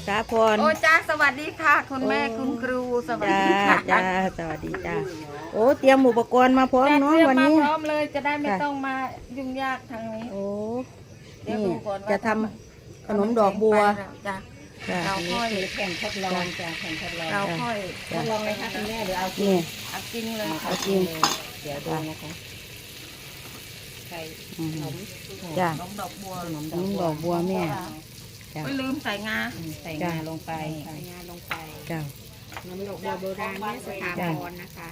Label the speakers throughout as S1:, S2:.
S1: ถาพร
S2: โอ้จ้าสวัสดีค่ะคุณแม่คุณครูสวัส
S1: จ้า
S2: ดีค่ะ
S1: จ้าสวัสดีจ้าโอ้เตรียมอุปกรณ์มาพร้อมเนาะวันนี้
S2: พร้อมเลยจะได้ไม่ต้องมายุ่งยากทางนี้
S1: โอ้
S2: เดี๋ยว
S1: นี่
S2: ดูก่อนว่า
S1: จะทำขนมดอกบัว
S2: จ้ะ
S1: จ้า
S2: เราค่อย
S3: แข่งทดลองจ้ะแข่งทดลอง
S2: เราค่อย
S3: ทดลองเลยค่ะคุณแม่หรือเอาจริ
S1: นี่
S3: ง
S2: เอาจริงเลยค่ะ
S1: เอาจริง
S3: เดี๋ยวดูนะคะใส่
S1: อืม
S3: ขนม
S1: จ้า
S2: ขนมดอกบัว
S3: ขนม
S1: ขนมดอกบัวแม่จ้า
S2: ไม่ลืมใส่งา
S3: ใส่งาลงไปใส่งาลงไป
S1: จ้า
S3: ขนมดอกบัวโบราณแม่สถาพรนะคะ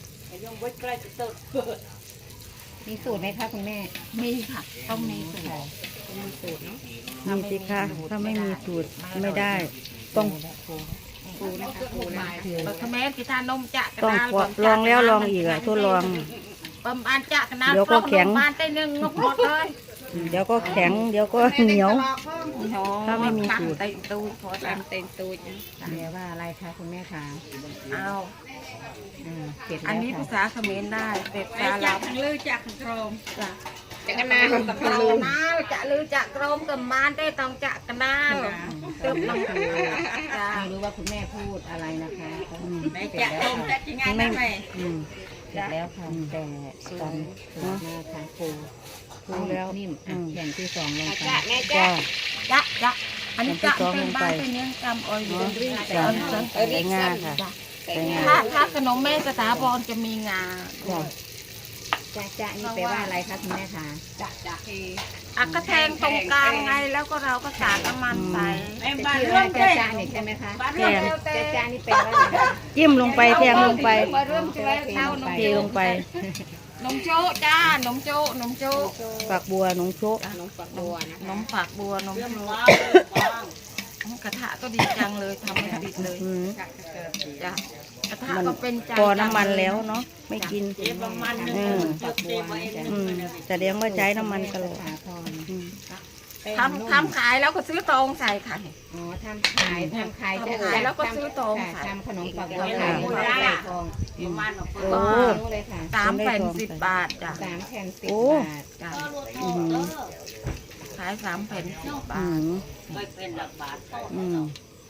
S3: มีสูตรไหมคะคุณแม่
S2: มีค่ะต้องมีสูตร
S3: มีสูตรเนาะ
S1: มีสิคะถ้าไม่มีสูตรไม่ได้ ต้อง
S3: ครูนะคะครูนะคะ
S2: เราทำไมกีตาร์นมจะกระ
S1: ต้อง
S2: ดาษ
S1: ลองแล้วลองอีกอะทดลอง
S2: ประมาณจะกระดาษ
S1: เดี๋ยวก็แข็ง
S2: ประมาณได้หนึ่งงบหมดเลย
S1: เดี๋ยวก็แข็งเดี๋ยวก็เหนียว ถ้าไม่มีสูตร
S2: เต็มตูดพอ
S3: ตา
S2: จะ
S3: มเต็มตูดเดี๋ยวว่าอะไรคะคุณแม่คะ
S2: เอา
S3: เสร็จ
S2: อัน
S3: แล้ว
S2: นี้
S3: ค่ะ
S2: ภาษาเขมรได้เป็ดภาษาลาว
S3: ลือจากโครม
S2: จ้ะ
S3: จากกันนา
S2: จะกระนาลจะลือจะกรมกับมานได้ต้องจะกระนาลตึบลงจ้ะ
S3: ไม่รู้ว่าคุณแม่พูดอะไรนะคะ
S2: ไม่จะกรมจะยังไง
S1: ไม่
S2: นะแม่
S1: อืม
S3: เสร็จแล้วค่ะแต่ตอนสูตรมาค่ะครู
S1: รู้แล้ว
S3: นิ่ม
S1: อืม
S3: แผ่นที่สองลงไป
S1: จ้า
S2: จะอันนี้จะเป็นบ้านเป็นเนื้อกำออยล์
S1: จ้า
S2: จ้ะ
S1: ใส่งาค่ะใส่งา
S2: ถ้าขนมแม่สถาพรจะมีงา
S1: จ้า
S3: จ้านี่แปลว่าอะไรคะคุณแม่คะ
S2: อ่ะก็แทงตรงกลางไงแล้วก็เราก็สาดน้ำมันใส่
S3: เป็นชื่อว่าจ้านี่ใช่ไหมคะ
S1: แทง
S3: จ้านี่แปลว่าอะไร
S1: จิ้มลงไปแทงลงไป
S2: มาเริ่มช่วยเท้านม
S1: เทลงไป
S2: นมโจ๊ะจ้านมโจ๊ะนมโจ๊ะ
S1: ฝักบัวหนงโชก
S3: ขนมฝักบัวนะ
S2: น
S3: คะ
S2: มฝักบัวนมโจ๊ะกระทะก็ดีจังเลยทำไม่ติดเลย
S1: อืม
S2: จ้ะกระทะ
S1: มัน
S2: ก็เป็นใจ
S1: พอน้ำมันแล้วเนาะไม่กิน อืม
S3: ฝักบัวนะจ๊ะ
S1: อืมแสดงว่าใช้น้ำมันตลอด
S3: สาพร
S1: อืม
S2: ทำขายแล้วก็ซื้อตองใส่ค่ะ
S3: อ๋อทำขายจะ
S2: ขายแล้วก็ซื้อตรงค่ะ
S3: ทำขนมฝักบัวขายฝักใส่ทอง
S1: โอ้
S3: รู้เลยค่ะ
S2: 3 แผ่น 10 บาทจ้ะ
S3: 3 แผ่น
S1: โอ้
S3: 10 บาท
S2: จ้ะ
S1: อืม
S2: ขาย3 แผ่น 10
S1: อื
S2: บาท
S1: มอืม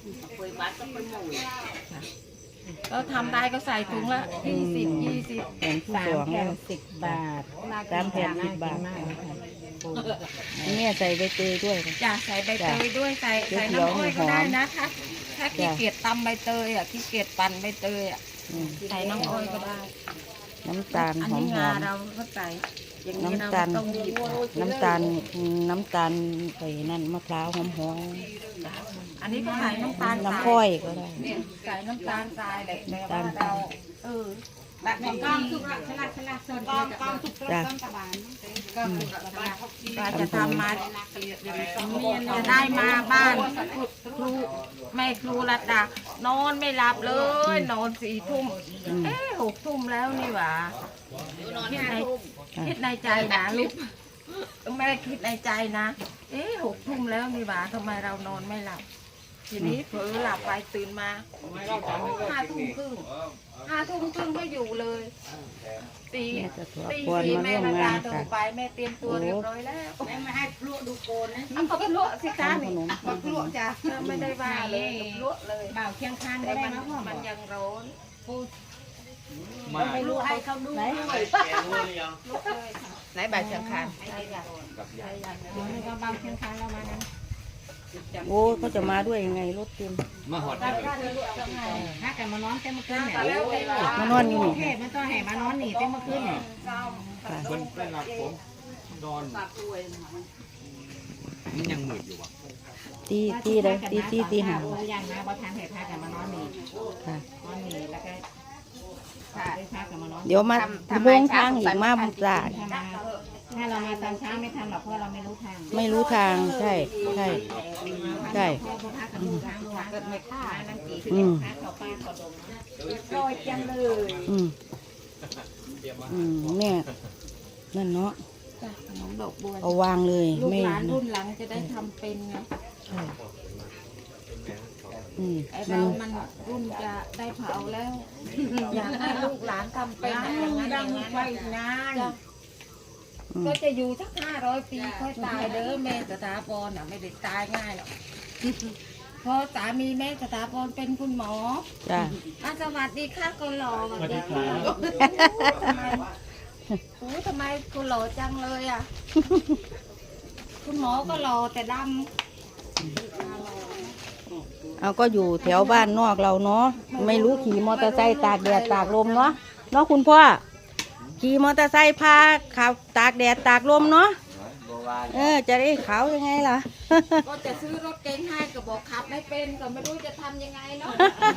S2: แล้วทำได้ก็ใส่ถุงละ20
S1: แผ่นที่
S3: สา
S1: ส
S3: ม
S1: อง
S3: แผ่
S1: แล้
S3: น
S1: ว
S3: 10 บาท
S1: 3 แผ่น10 บาท
S3: น่กินมากเลยค่ะ
S1: แม่ใส่ใบเตยด้วย
S2: จ้ะใส่ใบเตยด้วยใส่น้ำอ้อยก็ได้นะถ้าขี้เกียจตำใบเตยอ่ะขี้เกียจปั่นใบเตยอ่ะ
S1: อืม
S2: ใส่น้ำอ้อยก็ได้
S1: น้ำตาล
S2: อัน
S1: หอ
S2: นี้
S1: ม
S2: งาเราก็ใส่อย่างนี้เรา
S1: น้ำตาล
S2: ต้องหยิบ
S1: ๆน้ำตาลใส่นั่นมะพร้าวหอม
S2: จ้ะอันนี้ก็ใส่น้ำตาล
S1: ๆ
S2: ทราย
S1: น้ำข้อยก็ได้
S2: ใส่น้ำตาลทรายเลยแต่
S1: น้ำตา
S2: ว่า
S1: ล
S2: เราแบบนี้ก็
S1: จ้ะ
S2: เราจะทำมาจะได้มาบ้านครูแม่ครูรัตดานอนไม่หลับเลย นอน4 ทุ่ม
S1: อืม
S2: 6 ทุ่มแล้วนี่หว่าคิดในใจนะลูกแม่คิดในใจนะ6 ทุ่มแล้วนี่หว่าทำไมเรานอนไม่หลับ ทีนี้เผลอหลับไปตื่นมา5 ทุ่มครึ่ง5 ทุ่มครึ่งก็อยู่เลยตี
S1: แม่จะถว
S2: ตี
S1: พร
S2: สี่
S1: มา
S2: แม่
S1: ร่วม
S2: ระ
S1: งา
S2: ดาน โทร
S1: ค่ะ
S2: ไปแม่เตรียมตัวเรียบร้อยแล้วแม่ไม่ให้พลุดูโกนนะเอาพลุสิคะ
S1: ทำขนม
S2: พลุจ้ะไม่ได้ว่าเลยพลุเลย
S3: บ่าวเคียงข้าง
S2: แต่
S3: ได้
S2: มัน
S3: นะพ่อ
S2: มันยังร้อน
S3: ไม่รู้ให้เขาดูด้วย
S2: ลุกเลยค่ะ
S3: ไหนบ่าวเคียงข้าง
S2: ใช่ค่ะใช่ค่ะ
S3: นี่ก็บ่าวเคียงข้างเรามานั้น
S1: โอ้เขาจะมาด้วยยังไงรถเต็ม
S4: มาหอดได้เลย
S3: ถ้ากันมานอนเต็มเมื่อคืนเนี่ย
S2: แล้วเวลาม
S1: านอนอยู่นี่
S3: เทพมันต้องให้มานอนนี่เต็มเมื่อคืนเนี่ย
S4: เพิ่นไปรับผมนอนมันยังมืดอยู่วะ
S1: ตีเลยตีหา
S3: อย่างนะว่าทานเห็ดพากันมานอนนี่
S1: ค่ะ
S3: นอนนี่แล้วก็พาได้พากันมานอน
S1: เดี๋ยวมาโมงทางอีกมาบุกจ่า
S3: ถ้าเรามาตอนเช้าไม่ทันหรอกเพราะเราไม่รู้ทาง
S1: ไม่รู้ทางใช่ใช่ใช่
S3: เพราะพากันดูทางทางเกิดไม่ฆ่านั่งกี่
S1: อืม
S3: พาเขาป้าเขาดม
S2: ลอยจังเลย
S1: อืมแม่นั่นเนาะ
S2: จ้ะขนมดอกบัว
S1: เอาวางเลย
S2: ลูก
S1: ไม่
S2: หลานรุ่นหลังจะได้ทำเป็นไง
S1: ใช่อืม
S2: ไอ
S1: มั
S2: เรา
S1: น
S2: มันรุ่นจะได้เผาแล้ว อยากให้ลูกหลานทำเป็นอย่างนั้นอย่างนั้นจ้ะ
S1: อืม
S2: ก็จะอยู่สัก500 ปีค่อยตายเด้อแม่สถาพรน่ะไม่ได้ตายง่ายหรอก ขเพราะสามีแม่สถาพรเป็นคุณหมอ
S1: จ้า
S2: สวัสดีค่ะคนหล่อสวัสดีค่ะทำไมคุณหล่อจังเลยอ่ะ คุณหมอก็หล่อแต่ด
S1: เอาก็อยู่แถวบ้านนอกเราเนาะไม่รู้ขี่มอเตอร์ไซค์ตากแดดตากลมเนาะคุณพ่อขี่มอเตอร์ไซค์พาขับตากแดดตากลมเนาะจะได้ขาวยังไงล่ะ
S2: ำก็จะซื้อรถเก๋งให้ก็บอกขับไม่เป็นก็ไม่รู้จะทำยังไงเนาะ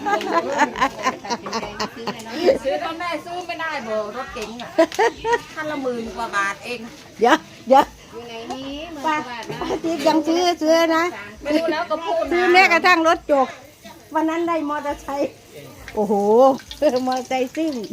S2: ซื้อตอนแม่ซื้อไม่ได้เบอร์รถเก๋งอ่ะคันละ10,000 กว่าบาทเอง
S1: เดี๋ยว
S3: อยู่ไหนนี้
S1: ป้า
S3: 10,000 บาทนะ
S1: ติ๊กยังซื้อนะ
S2: ไม่รู้แล้วก็พูด
S1: ซื้อ
S2: นะ
S1: แม้กระทั่งรถจกวันนั้นได้มอเตอร์ไซค์โอ้โหมอเตอร์ไซค์ซิ่ง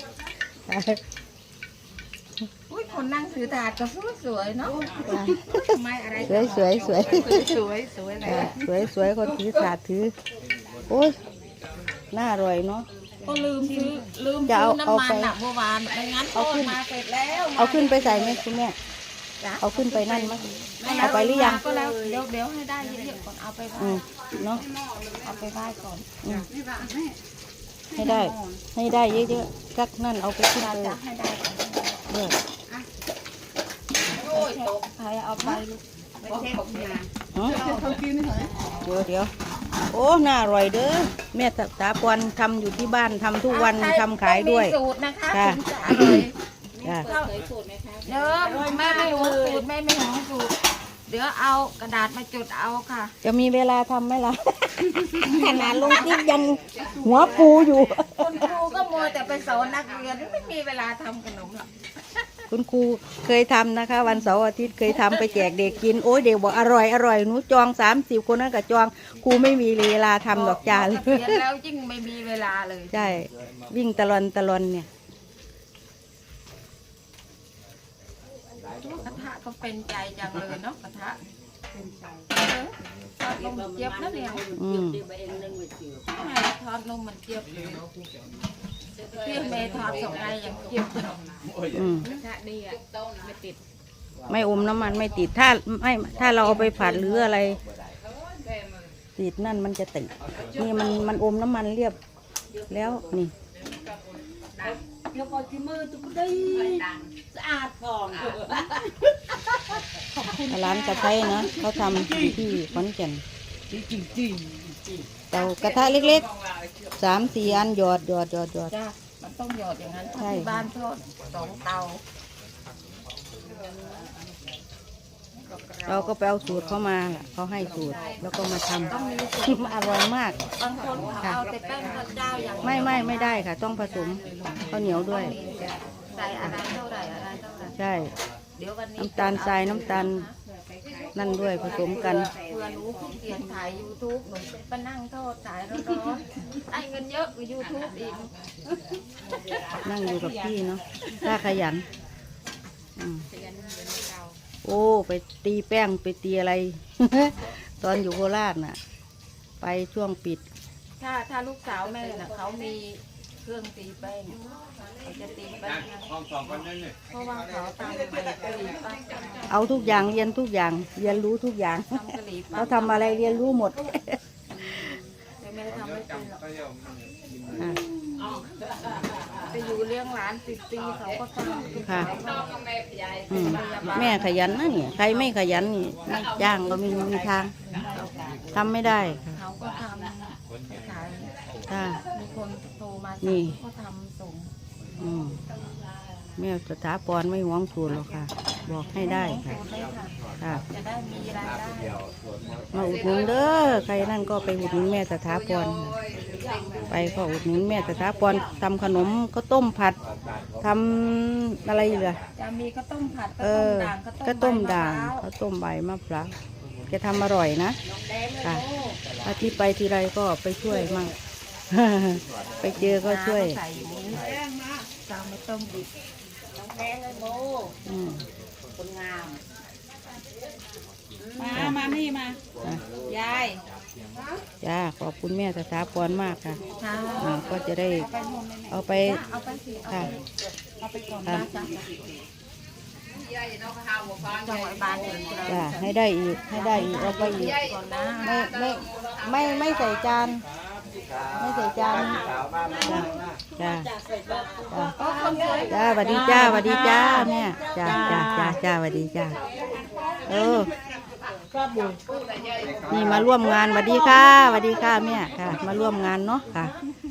S2: อุ้ยคนนั่งถือถาดก็สวยๆเนาะไม่อะไร
S1: สวย
S2: สวยเลย
S1: สวยคนถือถาดถือโอ้ยน่าอร่อยเนาะ
S2: ก็ลืมซื้อน้ำมันอ่ะเมื่อวานไม่งั้นทอดมาเสร็จแล้ว
S1: เอาขึ้นไปใส่ไหมคุณแม่เอาขึ้นไปนั่นมั้ยเอาไปหรือยัง
S2: ก็แล้วเดี๋ยวให้ได้เยอะๆก่อนเอาไปไหว้
S1: เนาะ
S2: เอาไปไหว้ก่อน
S1: ให้ได้เยอะๆสักนั่นเอาไปขึ้นไป
S2: จะให้ได้ก่อน
S1: เลือก
S2: โอ้ยตกใครเอาไปลูก
S1: เดี๋ยวโอ้น่าอร่อยเด้อแม่สถาพรทำอยู่ที่บ้านทำทุกวันทำขายด้วย
S2: มีสูตรนะคะ
S1: ค่ะ
S2: ถึงจะอร่อย
S1: จ้ะ
S3: เคยสูตรไหมคะ
S2: เดี๋ยวแม่ไม่หวงสูตรแม่ไม่หวงสูตรเดี๋ยวเอากระดาษมาจดเอาค่ะ
S1: จะมีเวลาทำไหมล่ะ ขนาดลงติ๊กยังหัวปูอยู่
S2: คุณครูก็มัวแต่ไปสอนนักเรียนไม่มีเวลาทำขนมหรอก
S1: คุณครูเคยทำนะคะ วันเสาร์อาทิตย์เคยทำไปแจกเด็กกินโอ้ยเด็กบอกอร่อยหนูจอง30 คนนั้นก็จองครูไม่มีเวลาทำดอกจาน
S2: เรียนแล้วยิ่งไม่มีเวลาเลย
S1: ใช่วิ่งตะลอนเนี่ย
S2: กระทะก็เป็นใจจังเลยเนาะกระทะทอดนมเจี๊ยบนะเนี่ย แม่ทอดนมมันเจี๊ยบเลยพี่เมย์ทอดส่งให้ยังเจี๊ยบเลย
S3: ถ้าดีอ่ะไม่ติด
S1: ไม่อมน้ำมันไม่ติดถ้าเราเอาไปผัดหรืออะไรติดนั่นมันจะติดนี่มันอมน้ำมันเรียบแล้วนี่
S3: เดี๋ยวก่อนที่มือตุ๊กได้สะอาดผ่อง
S1: ร้านกระไทยนะเขาทำอยู่ที่ขอนแก่นเตากระทะเล็กๆ3-4 อันหยอด
S2: จ้ามันต้องหยอดอย่างนั้น
S1: ใช่
S2: ที่บ้านทอด2 เตา
S1: เราก็ไปเอาสูตรเขามาล่ะเขาให้สูตรแล้วก็มาท
S2: ต้องมีสูตร
S1: ำ อร่อยมาก
S2: บางคนเขาเอาแต่แป้งข้าวเจ้าอย่างเดียว
S1: ไม่ได้ค่ะ ต้องผสมข้าวเหนียวด้วย
S2: ใส่อะไรเท่าไหร่อะไรเท่าไหร่
S1: ใช่
S2: เดี๋ยววันนี้
S1: น้ำตาลทรายน้ำตาลนั่นด้วยผสมกัน
S2: เพื่อหนูขี้เกียจถ่าย YouTube หนูไปนั่งทอดถ่ายร้อนๆได้เงินเยอะกว่า YouTube อีก
S1: นั่งอยู่กับพี่เนาะถ้าขยันโอ้ไปตีแป้งไปตีอะไร ตอนอยู่โคราชน่ะ ไปช่วงปิด
S2: ถ้าลูกสาวแม่น่ะเขามีเครื่องตีแป้งเขาจะตีแป้งให้เพราะว่าเขาทำกะหรี่ปั๊บ
S1: เอาทุกอย่างเรียนทุกอย่างเรียนรู้ทุกอย่าง
S2: ทำกะหรี่ปั๊
S1: เขา
S2: บ
S1: ทำอะไรเรียนรู้หมด
S2: แต่แม่ทำไม่เป็นหรอก
S1: ค่ะ
S2: ไปอยู่เลี้ยงหลาน10 ปีเขาก็ทำ
S1: ค่ะแม่ขยันนะเนี่ยใครไม่ขยันนี่ไม่จ้างก็ไม่มีทางทำไม่ได้ค่ะ
S2: เขาก็ทำขาย
S1: ค่ะ
S2: มีคนโทรมา
S1: นี่
S2: สั่งเขาทำส่ง
S1: แม่สถาพรไม่หวงสูตรหรอกค่ะ บอกให้ได้ค่ะ
S2: ได้ค่ะ
S1: ค่ะ
S2: จะได้มีรายได้
S1: มาอุดหนุนเด้อใครนั่นก็ไปอุดหนุนแม่สถาพรไปก็อุดหนุนแม่สถาพรทำขนมข้าวต้มผัดทำอะไรเหรอ
S2: จะมีข้าวต้มผัด
S1: เอ
S2: ข้าวต้ม
S1: อ
S2: ด่าง
S1: ข้าวต้มใบมะพร้าวแกทำอร่อยนะค่ะอาทิตย์ไปทีไรก็ไปช่วยมั่ง ไปเจอก็ช่วย
S2: ใส่อย่างนี้จะไม่ต้มดิบ
S3: แดงเลยโบ
S1: อืม
S3: คนงาม
S2: มานี่มา
S1: อ่ะ
S2: ยาย
S1: จ้าขอบคุณแม่สถาพรมากค่ะ
S2: ค่ะ
S1: ก็จะได้
S2: ไปหมดเลยเนี่ย
S1: เอาไป
S2: เอาไปสิ
S1: ค่ะ
S2: เอาไปก่อน
S1: ค่ะ
S2: นะจ๊ะจังหวัดบ้านเอง
S1: จ้าให้ได้อีกเอาไปอีก
S2: ก่อนนะ
S1: ไม่ใส่จานไม่ใส่จานจ้าจ้าจ้าสวัสดีจ้าสวัสดีจ้าแม่จ้าสวัสดีจ้านี่มาร่วมงานสวัสดีค่ะสวัสดีค่ะแม่ค่ะมาร่วมงานเนาะค่ะ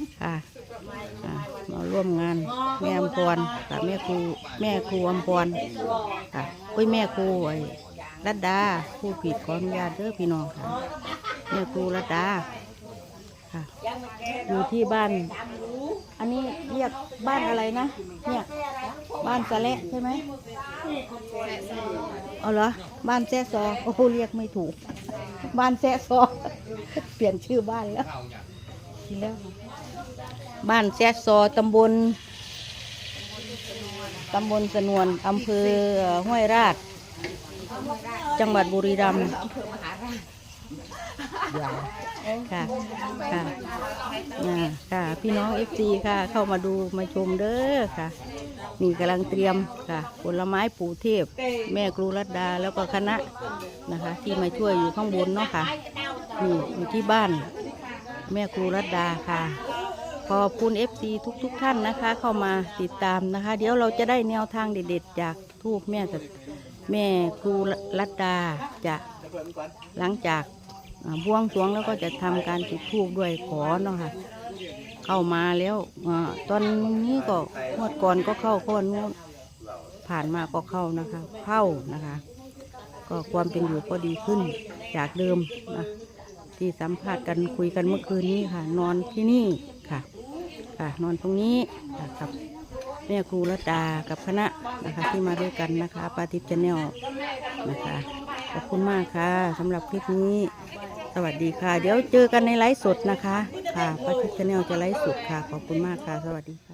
S1: มาร่วมงานแม่อำพรค่ะแม่ครูอำพรค่ะแม่ครูไอ้รัตดาผู้ผิดขออนุญาตเด้อพี่น้องค่ะแม่ครูรัตดาค่ะอยู่ที่บ้านอันนี้เรียกบ้านอะไรนะเนี่ยบ้านสะเละใช่ไหมเอาเหรอบ้านแซ่ซอโอ้เรียกไม่ถูกบ้านแซ่ซอเปลี่ยนชื่อบ้านแล้วบ้านแซ่ซอตำบลสนวนอำเภอห้วยราชจังหวัดบุรีรัมย์ค่ะพี่น้อง FC ค่ะเข้ามาดูมาชมเด้อค่ะนี่กำลังเตรียมค่ะผลไม้ปู่เทพแม่ครูรัตดาแล้วก็คณะนะคะที่มาช่วยอยู่ข้างบนเนาะค่ะนี่อยู่ที่บ้านแม่ครูรัตดาค่ะขอบคุณ FC ทุกท่านนะคะเข้ามาติดตามนะคะเดี๋ยวเราจะได้แนวทางเด็ดๆจากทูปแม่ครูรัตดาจะหลังจากบวงสรวงแล้วก็จะทำการจุดธูปด้วยขอเนาะค่ะเข้ามาแล้วตอนนี้ก็งวดก่อนก็เข้าก้อนนู้นผ่านมาก็เข้านะคะก็ความเป็นอยู่ก็ดีขึ้นจากเดิมนะที่สัมภาษณ์กันคุยกันเมื่อคืนนี้ค่ะนอนที่นี่ค่ะนอนตรงนี้กับแม่ครูรัตดากับคณะนะคะที่มาด้วยกันนะคะปาทิพย์ชาแนลนะคะขอบคุณมากค่ะสำหรับคลิปนี้สวัสดีค่ะเดี๋ยวเจอกันในไลฟ์สดนะคะค่ะปาทิพย์ชาแนลจะไลฟ์สดค่ะขอบคุณมากค่ะสวัสดีค่ะ